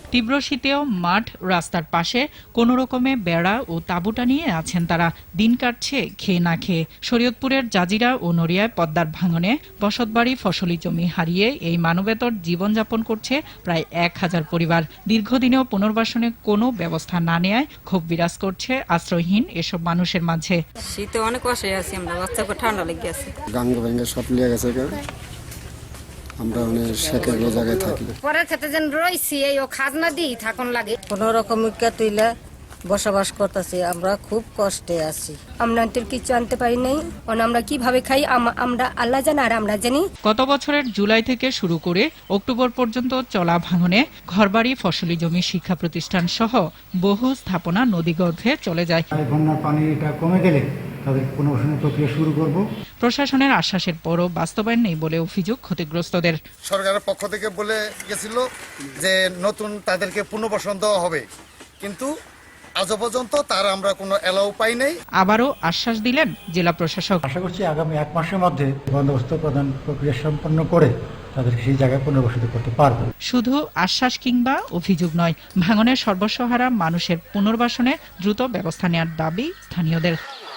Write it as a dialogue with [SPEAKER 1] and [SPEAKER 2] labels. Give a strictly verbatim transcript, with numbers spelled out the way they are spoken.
[SPEAKER 1] তীব্র শীতেও মাঠ রাস্তার পাশে কোনো রকমে বেড়া ও তাঁবু টানিয়ে আছেন তারা। দিন কাটছে খেয়ে না খেয়ে। শরীয়তপুরের জাজিরা ও নড়িয়ায় পদ্মার ভাঙনে বসতবাড়ি, ফসলি জমি হারিয়ে এই মানবেতর জীবনযাপন করছে প্রায় এক হাজার পরিবার। দীর্ঘদিনেও পুনর্বাসনে কোনো ব্যবস্থা না নেয়ায় ক্ষোভ বিরাজ করছে আশ্রয়হীন এসব মানুষের মাঝে।
[SPEAKER 2] শীতে অনেক কষ্টে আছি আমরা, বাচ্চাকে ঠান্ডা লেগে গেছে।
[SPEAKER 3] গাঙ্গ ভেঙে সব লিয়ে গেছে, আমরা অনেক শেখের জায়গায় থাকি।
[SPEAKER 4] পরের ক্ষেত্রে যেন রয়েছি এই ও খাজনা দিই থাকুন লাগে।
[SPEAKER 2] কোনো রকম তুইলে বসবাস করতেছি, আমরা খুব কষ্টে আছি।
[SPEAKER 4] আমরা তো কিছু আনতে পারি নাই, আমরা কিভাবে খাই আমরা আল্লাহ জানে আর আমরা জানি।
[SPEAKER 1] গত বছরের জুলাই থেকে শুরু করে অক্টোবর পর্যন্ত চলা ভাঙনে ঘরবাড়ি, ফসলি জমি, শিক্ষা প্রতিষ্ঠান সহ বহু স্থাপনা নদীগর্ভে চলে যায়।
[SPEAKER 5] বন্যার পানিটা কমে গেলে তাদের পুনর্বাসনের প্রক্রিয়া শুরু করব।
[SPEAKER 1] প্রশাসনের আশ্বাসের পরও বাস্তবায়ন নেই বলে অভিযোগ ক্ষতিগ্রস্তদের।
[SPEAKER 6] সরকারের পক্ষ থেকে বলে গেছিল যে নতুন তাদেরকে পুনর্বাসন দেওয়া হবে, কিন্তু আজ পর্যন্ত তার আমরা কোনো এলাও পাই নাই।
[SPEAKER 1] আবারও আশ্বাস দিলেন জেলা প্রশাসক।
[SPEAKER 5] আশা করছি আগামী এক মাসের মধ্যে বন্দোবস্ত প্রদান প্রক্রিয়া সম্পন্ন করে তাদেরকে সেই জায়গায় পুনর্বাসিত করতে পারবো।
[SPEAKER 1] শুধু আশ্বাস কিংবা অভিযোগ নয়, ভাঙনের সর্বস্বহারা মানুষের পুনর্বাসনে দ্রুত ব্যবস্থা নেওয়ার দাবি স্থানীয়দের।